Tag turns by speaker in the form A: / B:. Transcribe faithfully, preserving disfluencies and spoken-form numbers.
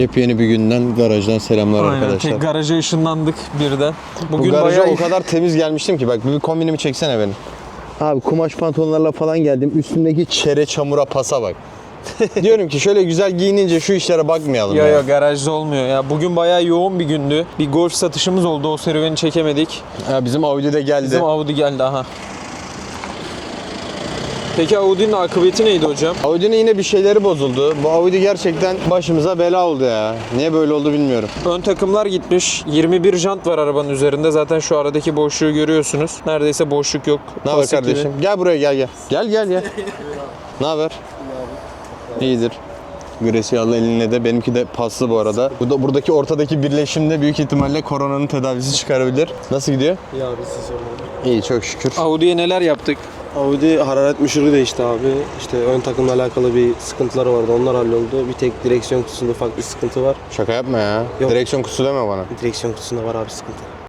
A: Yepyeni bir günden, garajdan selamlar. Aynen, arkadaşlar.
B: Tek garaja ışınlandık birden.
A: Bugün Bu garaja bayağı... o kadar temiz gelmiştim ki, bak bir kombinimi çeksene benim. Abi kumaş pantolonlarla falan geldim. Üstümdeki çere çamura pasa bak. Diyorum ki şöyle güzel giyinince şu işlere bakmayalım.
B: Ya
A: ya.
B: ya garajda olmuyor ya. Bugün bayağı yoğun bir gündü. Bir golf satışımız oldu. O serüveni çekemedik.
A: Ya bizim Audi de geldi.
B: Bizim Audi geldi aha. Peki Audi'nin akıbeti neydi hocam?
A: Audi'nin yine bir şeyleri bozuldu. Bu Audi gerçekten başımıza bela oldu ya. Niye böyle oldu bilmiyorum.
B: Ön takımlar gitmiş. yirmi bir jant var arabanın üzerinde. Zaten şu aradaki boşluğu görüyorsunuz. Neredeyse boşluk yok.
A: Ne haber kardeşim? Gel buraya gel gel. Gel gel gel. Ne haber? İyidir. Gracia'lı eline de, benimki de paslı bu arada. Bu da, buradaki ortadaki birleşimde büyük ihtimalle koronanın tedavisi çıkarabilir. Nasıl gidiyor?
C: İyi abi, siz sormalı.
A: İyi, çok şükür.
B: Audi'ye neler yaptık?
C: Audi hararet müşürü değişti abi. İşte ön takımla alakalı bir sıkıntıları vardı. Onlar halloldu. Bir tek direksiyon kutusunda ufak bir sıkıntı var.
A: Şaka yapma ya.
C: Yok.
A: Direksiyon kutusu deme bana.
C: Direksiyon kutusunda var abi sıkıntı.